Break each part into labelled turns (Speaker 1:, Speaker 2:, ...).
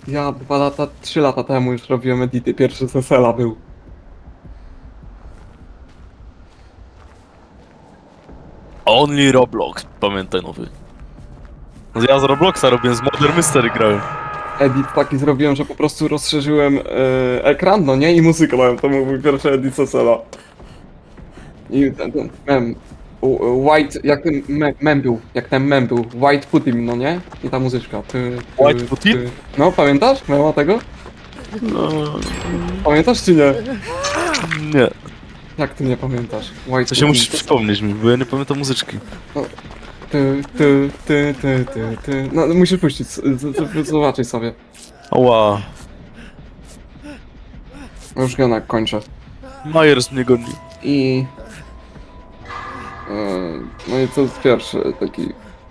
Speaker 1: Ja 3 lata temu już robiłem edity, pierwszy z SL-a był.
Speaker 2: Only Roblox, pamiętaj nowy. No ja z Robloxa robiłem, z Modern Mystery grałem.
Speaker 1: Edit taki zrobiłem, że po prostu rozszerzyłem ekran, no nie? I muzykę dałem, to był mój pierwszy edit z SL-a. I ten mem. White, jak ten mem był, jak ten mem był. White Putin, no nie? I ta muzyczka.
Speaker 2: White Putin?
Speaker 1: No, pamiętasz? Mema tego?
Speaker 2: No,
Speaker 1: Pamiętasz czy nie?
Speaker 2: nie.
Speaker 1: Jak ty nie pamiętasz? White
Speaker 2: To się musisz
Speaker 1: Putin.
Speaker 2: przypomnieć mi, bo ja nie pamiętam muzyczki.
Speaker 1: No, musisz puścić, zobaczyć sobie.
Speaker 2: Ała.
Speaker 1: Już go kończę.
Speaker 2: Myers mnie goni.
Speaker 1: I... no i to jest pierwszy taki...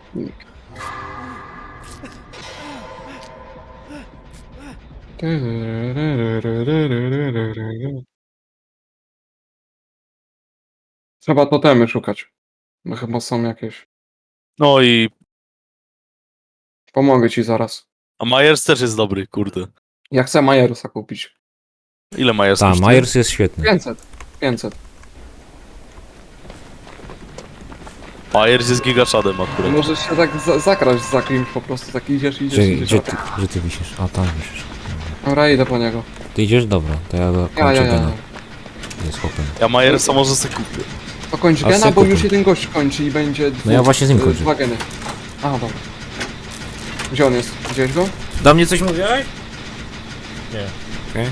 Speaker 1: Trzeba totemy szukać. Bo chyba są jakieś.
Speaker 2: No i...
Speaker 1: Pomogę ci zaraz.
Speaker 2: A Myers też jest dobry, kurde.
Speaker 1: Ja chcę Majerusa kupić.
Speaker 2: Ile Myers
Speaker 3: Tak,
Speaker 2: kosztuje?
Speaker 3: Myers jest świetny.
Speaker 1: 500. 500.
Speaker 2: Myers jest gigaszadem akurat.
Speaker 1: Możesz się tak zakraść za kimś po prostu. Tak idziesz, idziesz,
Speaker 3: Gdzie,
Speaker 1: idziesz.
Speaker 3: gdzie ty wisisz? A, tam wisisz.
Speaker 1: Dobra, idę po niego.
Speaker 3: Ty idziesz? Dobra, to ja go
Speaker 1: Ja.
Speaker 3: kończę gena. Jest chłopem.
Speaker 2: Ja Myersa może sobie kupię.
Speaker 1: To kończ
Speaker 3: A
Speaker 1: gena, bo
Speaker 3: sekund.
Speaker 1: już jeden gość kończy i będzie...
Speaker 3: No ja właśnie z nim kończę.
Speaker 1: 2 geny. A, dobra. Gdzie on jest? Widziałeś go?
Speaker 3: Do mnie coś mówiłeś? Nie. Okej.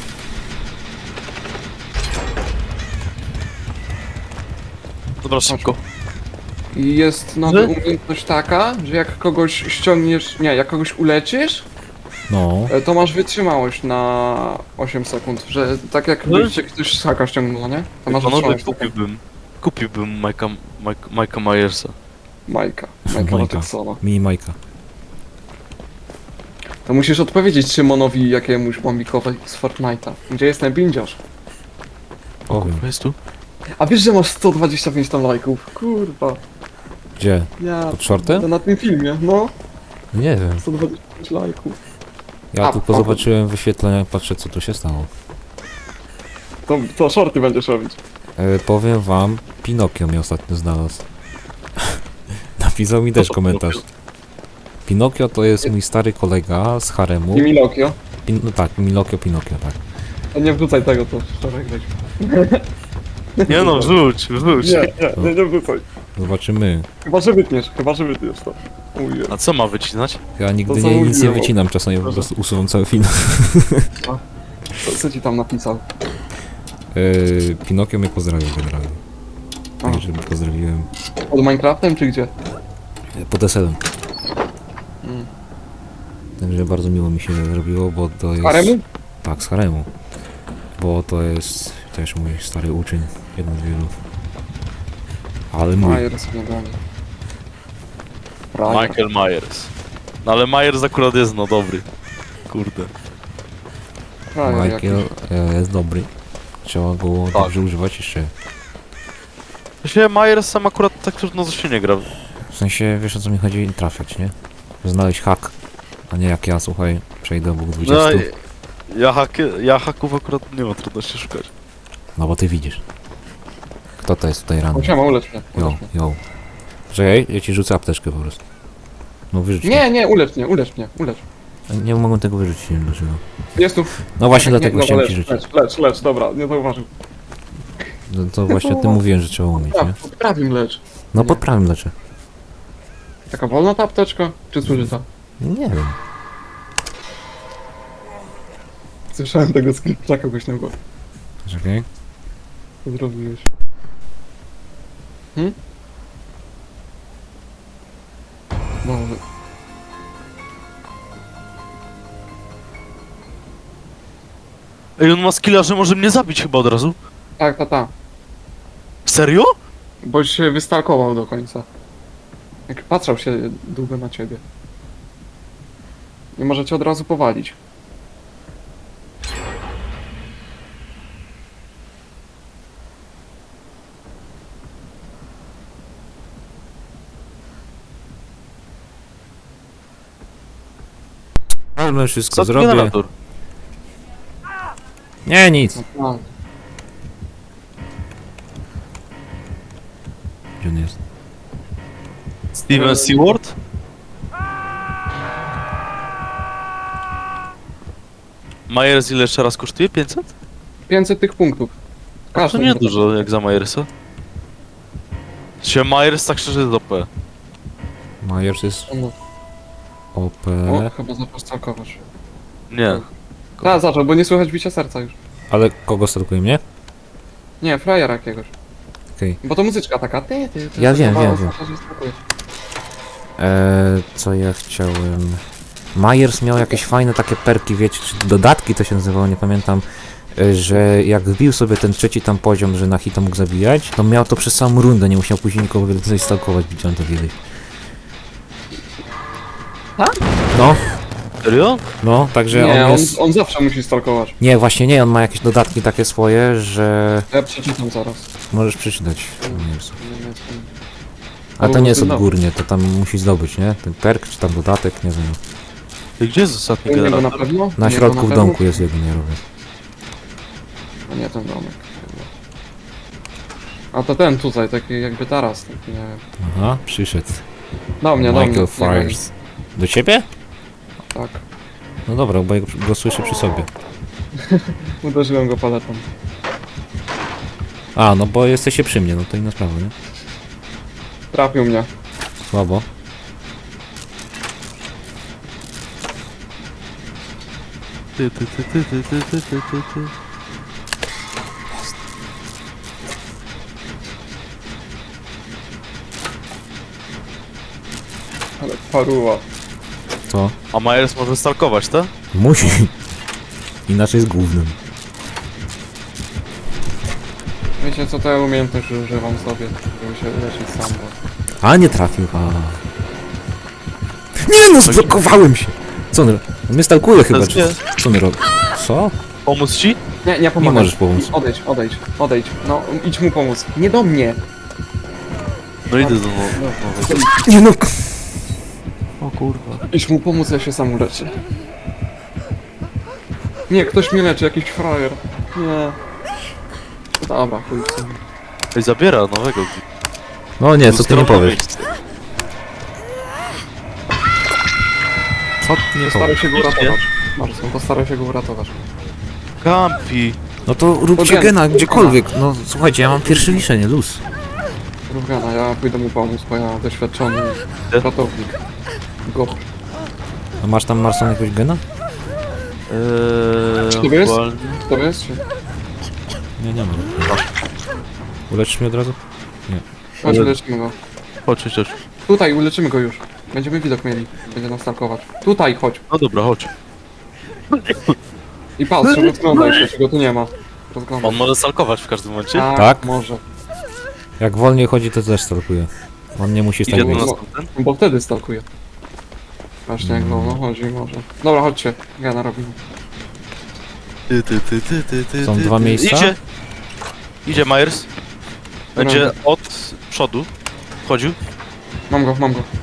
Speaker 2: Dobra, szybko.
Speaker 1: I jest nowa umiejętność taka, że jak kogoś ściągniesz... Nie, jak kogoś uleczysz,
Speaker 3: No.
Speaker 1: to masz wytrzymałość na 8 sekund, że tak jak byście ktoś z haka ściągnął, nie? To masz
Speaker 2: Panowie,
Speaker 1: wytrzymałość.
Speaker 2: kupiłbym Majka Myersa.
Speaker 1: Majka
Speaker 3: Majka.
Speaker 1: Watsona.
Speaker 3: Mini Majka.
Speaker 1: To musisz odpowiedzieć Szymonowi jakiemuś bombikowi z Fortnite'a. Gdzie jest ten bindziarz?
Speaker 3: Powiem.
Speaker 2: Jest tu?
Speaker 1: A wiesz, że masz 125 tam lajków? Kurwa.
Speaker 3: Gdzie?
Speaker 1: Ja...
Speaker 3: Pod shortem?
Speaker 1: To na tym filmie, no.
Speaker 3: Nie wiem.
Speaker 1: 125 lajków.
Speaker 3: Ja
Speaker 1: A,
Speaker 3: tylko
Speaker 1: o.
Speaker 3: zobaczyłem wyświetlenia, patrzę co tu się stało.
Speaker 1: To shorty będziesz robić.
Speaker 3: Powiem wam, Pinokio mnie ostatnio znalazł. Napisał mi też komentarz. Pinokio to jest mój stary kolega z haremu.
Speaker 1: I Milokio.
Speaker 3: No tak, Pinokio, tak.
Speaker 1: A nie wrzucaj tego, to wczoraj weź.
Speaker 2: Nie no, wrzuć.
Speaker 1: Nie wrzucaj.
Speaker 3: Zobaczymy.
Speaker 1: Chyba, że wytniesz to. Mówię.
Speaker 2: A co ma wycinać?
Speaker 3: Ja nigdy
Speaker 1: To co
Speaker 3: nic nie
Speaker 1: mówiłem.
Speaker 3: wycinam, czasami po prostu usuwam cały film.
Speaker 1: Co ci tam napisał?
Speaker 3: Pinokio mnie pozdrawił generalnie.
Speaker 1: A.
Speaker 3: Także pozdrowiłem.
Speaker 1: Pod Minecraftem czy gdzie?
Speaker 3: Pod SL-em.
Speaker 1: Mm.
Speaker 3: Także bardzo miło mi się zrobiło, bo to jest...
Speaker 1: Haremu?
Speaker 3: Tak, z haremu. Bo to jest też mój stary uczeń, jeden z wielu. Ale mój.
Speaker 1: Myers nie goni.
Speaker 2: Michael Myers. No ale Myers akurat jest no dobry. Kurde.
Speaker 3: Michael jest dobry. Trzeba go dobrze używać jeszcze.
Speaker 2: Myślę, Myers sam akurat tak trudno to się nie gra.
Speaker 3: W sensie, wiesz o co mi chodzi, trafiać, nie? Znaleźć hak. A nie jak ja, słuchaj, przejdę obok 20.
Speaker 2: No, ja haków akurat nie ma trudności szukać.
Speaker 3: No bo ty widzisz. Kto to jest tutaj ranny?
Speaker 1: Musiałem ulecz mnie.
Speaker 3: Jo, jo. Czekaj, ja ci rzucę apteczkę po prostu. No wyrzuć mnie.
Speaker 1: Nie, ulecz mnie.
Speaker 3: Nie mogłem tego wyrzucić, nie wiem dlaczego.
Speaker 1: Jest tu.
Speaker 3: No właśnie
Speaker 1: Nie,
Speaker 3: dlatego
Speaker 1: dobra,
Speaker 3: chciałem ci rzucić.
Speaker 1: Lecz, dobra, nie zauważył.
Speaker 3: No to właśnie o tym mówiłem, że trzeba umieć, nie?
Speaker 1: Pod prawym lecz.
Speaker 3: No
Speaker 1: Nie.
Speaker 3: pod prawym leczę.
Speaker 1: Taka wolna ta apteczka? Czy zużyta?
Speaker 3: Nie wiem.
Speaker 1: Słyszałem tego skrypta głośnego.
Speaker 3: Czekaj.
Speaker 1: Co zrobiłeś? No,
Speaker 2: Ej, on ma skilla, że może mnie zabić chyba od razu.
Speaker 1: tak.
Speaker 2: Serio?
Speaker 1: Bo się wystalkował do końca. Jak patrzał się długo na ciebie. Nie może cię od razu powalić.
Speaker 3: Palmę wszystko,
Speaker 2: Co
Speaker 3: zrobię.
Speaker 2: generator?
Speaker 3: Nie, nic.
Speaker 1: No,
Speaker 3: Gdzie on jest?
Speaker 2: Steven Seward? Myers ile jeszcze raz kosztuje? 500?
Speaker 1: 500 tych punktów.
Speaker 2: To
Speaker 1: Każdy
Speaker 2: nie dużo jak za Myersa. Się Myers tak szczerze jest OP.
Speaker 3: Myers jest
Speaker 1: No.
Speaker 3: OP.
Speaker 1: O, chyba zaczął stalkować.
Speaker 2: Nie.
Speaker 1: Tak, zaczął, bo nie słychać bicia serca już.
Speaker 3: Ale kogo stalkuje mnie?
Speaker 1: Nie, frajera jakiegoś.
Speaker 3: Okej.
Speaker 1: Bo to muzyczka taka.
Speaker 3: Ja wiem,
Speaker 1: to
Speaker 3: wiem,
Speaker 1: chyba
Speaker 3: wiem.
Speaker 1: oznacza, że stalkuje.
Speaker 3: Co ja chciałem... Myers miał jakieś fajne takie perki, wiecie, czy dodatki to się nazywało, nie pamiętam, że jak wbił sobie ten trzeci tam poziom, że na hita mógł zabijać, to miał to przez samą rundę, nie musiał później nikogo więcej stalkować, widziałem to kiedyś.
Speaker 1: Tak?
Speaker 3: No,
Speaker 2: Serio?
Speaker 3: no, także
Speaker 1: Nie,
Speaker 3: on jest...
Speaker 1: on zawsze musi stalkować.
Speaker 3: Nie, właśnie nie, on ma jakieś dodatki takie swoje, że
Speaker 1: Ja przeczytam zaraz.
Speaker 3: możesz przeczytać. Myersa.
Speaker 1: Nie, nie,
Speaker 3: Ale to nie jest
Speaker 1: No.
Speaker 3: odgórnie, to tam musi zdobyć, nie? Ten perk, czy tam dodatek, nie wiem.
Speaker 2: I gdzie jest ostatni
Speaker 1: U niego na
Speaker 2: generator?
Speaker 1: pewno?
Speaker 3: Na
Speaker 1: U niego
Speaker 3: środku w
Speaker 1: pewno?
Speaker 3: domku jest jego, nie robię.
Speaker 1: A nie, ten domek. A to ten tutaj, taki jakby taras, taki nie wiem.
Speaker 3: Aha, przyszedł.
Speaker 1: Do mnie, do mnie.
Speaker 3: Michael Fires. Do ciebie?
Speaker 1: Tak.
Speaker 3: No dobra, bo ja go słyszę przy sobie.
Speaker 1: Uderzyłem go paletą.
Speaker 3: A, no bo jesteście przy mnie, no to inna sprawa, nie?
Speaker 1: Trafił mnie.
Speaker 3: Słabo.
Speaker 2: Ty.
Speaker 1: Ale paruwa.
Speaker 3: Co?
Speaker 2: A Myers może stalkować, tak?
Speaker 3: Musi. Inaczej jest głównym.
Speaker 1: Wiecie co, to ja umiejętność że używam sobie, żeby się leczyć sam, bo...
Speaker 3: A, nie trafił, a. Nie no, zblokowałem się! Co on robi? On mnie stalkuje chyba, czy... Co on robi? Co?
Speaker 2: Pomóc ci?
Speaker 1: Nie
Speaker 3: Nie
Speaker 1: pomagaj.
Speaker 3: możesz pomóc.
Speaker 1: Odejdź. No, idź mu pomóc. Nie do mnie!
Speaker 2: No idę do
Speaker 3: Nie no,
Speaker 2: O kurwa.
Speaker 1: Idź mu pomóc, ja się sam uleczę. Nie, ktoś mnie leczy, jakiś frajer. Nie. Dobra, chuj w sumie.
Speaker 2: Ej, zabiera nowego.
Speaker 3: no nie, co ty nie powiesz? Co ty nie
Speaker 1: Postaraj
Speaker 3: powiesz?
Speaker 1: się go uratować. Marcin, postaraj się go uratować.
Speaker 2: Kampi.
Speaker 3: No to róbcie gena gdziekolwiek. No słuchajcie, ja mam pierwsze liczenie, luz.
Speaker 1: Rówgana, ja pójdę mu pomóc, bo ja doświadczony ratownik. Go.
Speaker 3: A masz tam, Marson, jakiegoś gena?
Speaker 1: Czy to jest?
Speaker 2: aktualnie-
Speaker 1: To jest? Czy...
Speaker 3: Nie, nie mam. Uleczysz mnie od razu?
Speaker 1: Chodź,
Speaker 2: Ale-
Speaker 1: uleczymy go.
Speaker 2: Chodź.
Speaker 1: Tutaj, uleczymy go już. Będziemy widok mieli. Będzie nas stalkować. Tutaj, chodź.
Speaker 2: No dobra, chodź.
Speaker 1: I patrz, rozglądaj się, czego tu nie ma. Rozglądaj.
Speaker 2: On może stalkować w każdym momencie.
Speaker 3: Tak?
Speaker 1: Może.
Speaker 3: Jak wolniej chodzi, to też stalkuje. On nie musi stać
Speaker 2: Idzie
Speaker 3: w
Speaker 2: do
Speaker 3: miejscu.
Speaker 2: nas ten.
Speaker 1: Bo wtedy stalkuje. Właśnie jak wolno chodzi, może. Dobra, chodźcie. Gana robimy.
Speaker 2: Ty.
Speaker 3: Są dwa miejsca?
Speaker 2: Idzie Myers. Będzie od przodu. Wchodził.
Speaker 1: Mam go.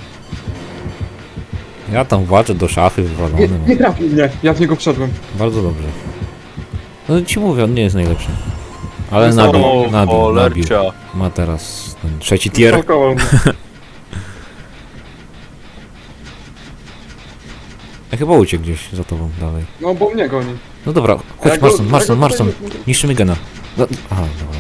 Speaker 3: Ja tam właczę do szafy wywalony. mam.
Speaker 1: Nie trafił mnie. Ja w niego wszedłem.
Speaker 3: Bardzo dobrze. No ci mówię, on nie jest najlepszy. Ale
Speaker 1: Jest
Speaker 3: nabił.
Speaker 2: Cholercia.
Speaker 3: Ma teraz ten trzeci tier.
Speaker 1: Stalkował mnie.
Speaker 3: Ja chyba uciekł gdzieś za tobą dalej.
Speaker 1: No bo mnie goni.
Speaker 3: No dobra,
Speaker 1: A ja
Speaker 3: chodź
Speaker 1: go-
Speaker 3: Marston.
Speaker 1: ja go tutaj-
Speaker 3: Niszczymy gena. No, aha, dobra.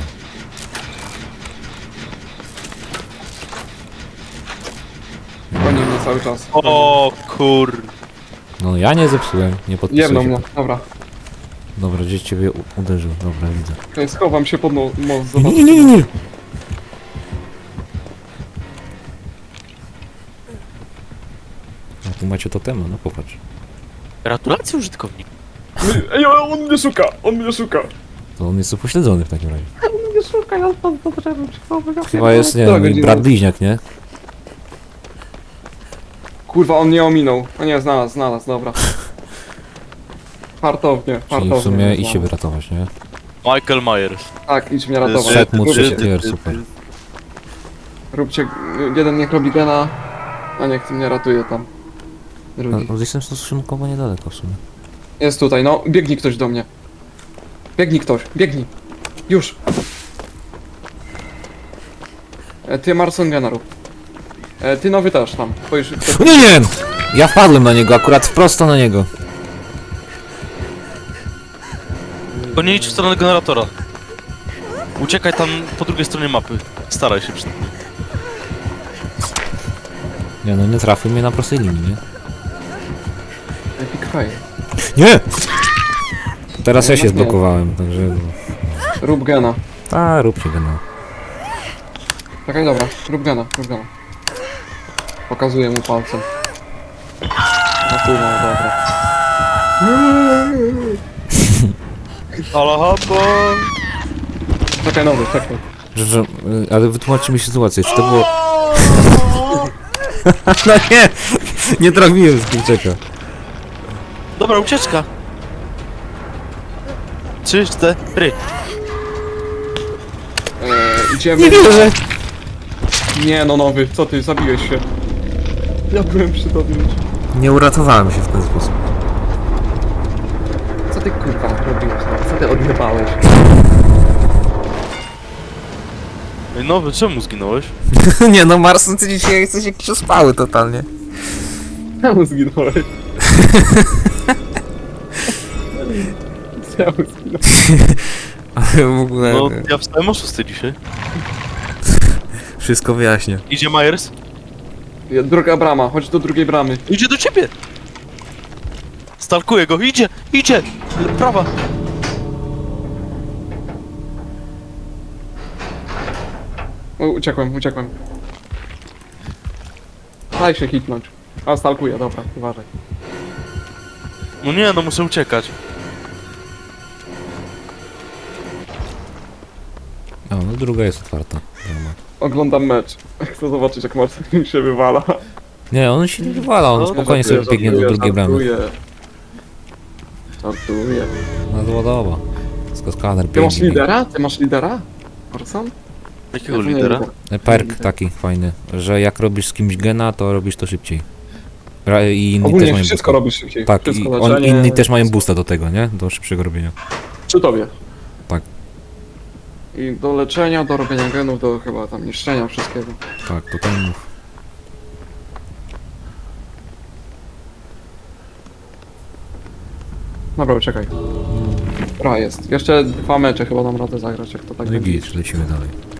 Speaker 1: Goni mnie cały czas.
Speaker 2: O kur...
Speaker 3: No ja nie zepsułem, nie podpisuję
Speaker 1: Jedną
Speaker 3: się.
Speaker 1: mnie. Dobra.
Speaker 3: Dobra, gdzieś ciebie uderzył, dobra, widzę.
Speaker 1: To jest, schowam się pod most.
Speaker 3: Nie,
Speaker 1: Zobacz.
Speaker 3: nie. A tu macie totema, no popatrz.
Speaker 2: Gratulacje użytkownik.
Speaker 1: Ej, ale on mnie szuka.
Speaker 3: To on jest upośledzony w takim razie.
Speaker 1: On mnie szuka, ja tam potrzebny przychodzę.
Speaker 3: Chyba jest, nie
Speaker 1: Która
Speaker 3: wiem,
Speaker 1: godzina?
Speaker 3: brat bliźniak, nie?
Speaker 1: Kurwa, on nie ominął. O nie, znalazł, dobra. Fartownie.
Speaker 3: Czyli w sumie
Speaker 1: mnie
Speaker 3: i się
Speaker 1: znalazł.
Speaker 3: wyratować, nie?
Speaker 2: Michael Myers.
Speaker 1: Tak, idź mnie ratować.
Speaker 3: Szedł mu
Speaker 1: Róbcie-
Speaker 3: trzeci tier, super.
Speaker 1: Róbcie, jeden niech robi gena, a niech mnie ratuje tam. Drugi.
Speaker 3: No, jestem stosunkowo niedaleko w sumie.
Speaker 1: Jest tutaj, no. Biegnij ktoś do mnie. Biegnij ktoś, biegnij. Już. Ty Marsongena rób. Ty nowy też tam. Spojrz,
Speaker 3: O nie, nie! Ja wpadłem na niego, akurat prosto na niego.
Speaker 2: To nie idź w stronę generatora. Uciekaj tam po drugiej stronie mapy. Staraj się przynajmniej.
Speaker 3: Nie no, nie trafił mnie na prostej linii, nie?
Speaker 1: Epic fail.
Speaker 3: Nie! Teraz
Speaker 1: Nie,
Speaker 3: ja się
Speaker 1: nie.
Speaker 3: zblokowałem, także...
Speaker 1: Rób gena.
Speaker 3: A, róbcie go no.
Speaker 1: Czekaj, dobra. Rób gena, rób gena. Pokazuję mu palcem. No kurwa, dobra.
Speaker 2: Alahabo!
Speaker 1: Czekaj, nowy, czekaj.
Speaker 3: Ale wytłumaczcie mi sytuację, czy to było... No nie! Nie trafiłem z kurczaka.
Speaker 2: Dobra, ucieczka! 3, 4.
Speaker 1: Idziemy.
Speaker 3: Nie wierzę!
Speaker 1: Nie no, nowy, co ty, zabiłeś się. Ja byłem przy tobie już.
Speaker 3: Nie uratowałem się w ten sposób.
Speaker 1: Co ty kurwa robiłeś? Co ty odjebałeś?
Speaker 2: Ej, nowy, czemu zginąłeś?
Speaker 3: Nie no, Mars, ty dzisiaj jesteś jak przespały totalnie.
Speaker 1: Czemu zginąłeś? Czemu zginąłeś?
Speaker 3: Ale w ogóle...
Speaker 2: No, ja wstałem o 6 dzisiaj.
Speaker 3: Wszystko wyjaśnię.
Speaker 2: Idzie Myers?
Speaker 1: Druga brama, chodź do drugiej bramy.
Speaker 2: Idzie do ciebie! Stalkuję go, idzie! Idzie! Prawa!
Speaker 1: O, uciekłem. Daj się hitnąć. A, stalkuję, dobra, uważaj.
Speaker 2: No nie, no muszę uciekać.
Speaker 3: O, no druga jest otwarta. Brama.
Speaker 1: Oglądam mecz. Chcę zobaczyć jak Marcin się wywala.
Speaker 3: Nie, on się nie wywala, on
Speaker 2: No,
Speaker 3: spokojnie
Speaker 1: Żartuję,
Speaker 3: sobie biegnie do
Speaker 1: żartuję,
Speaker 3: drugiej bramy.
Speaker 1: Żartuję.
Speaker 3: No zładowa. Skaner
Speaker 1: Ty masz
Speaker 3: biegnie.
Speaker 1: lidera? Ty masz lidera? Orson?
Speaker 2: Jakiego
Speaker 1: Ja to nie
Speaker 2: lidera?
Speaker 1: lider.
Speaker 3: Perk taki fajny, że jak robisz z kimś gena, to robisz to szybciej. I inni też
Speaker 1: Ogólnie
Speaker 3: mają
Speaker 1: wszystko
Speaker 3: boosta.
Speaker 1: robisz szybciej.
Speaker 3: Tak,
Speaker 1: wszystko
Speaker 3: i
Speaker 1: leczenie,
Speaker 3: inni też mają boosta do tego, nie? Do szybszego robienia.
Speaker 1: Przy tobie.
Speaker 3: Tak.
Speaker 1: I do leczenia, do robienia genów, do chyba tam niszczenia wszystkiego.
Speaker 3: Tak, to ten mów.
Speaker 1: Dobra, czekaj. Jest. Jeszcze 2 mecze chyba dam radę zagrać, jak to tak
Speaker 3: No i
Speaker 1: będzie.
Speaker 3: git, lecimy dalej.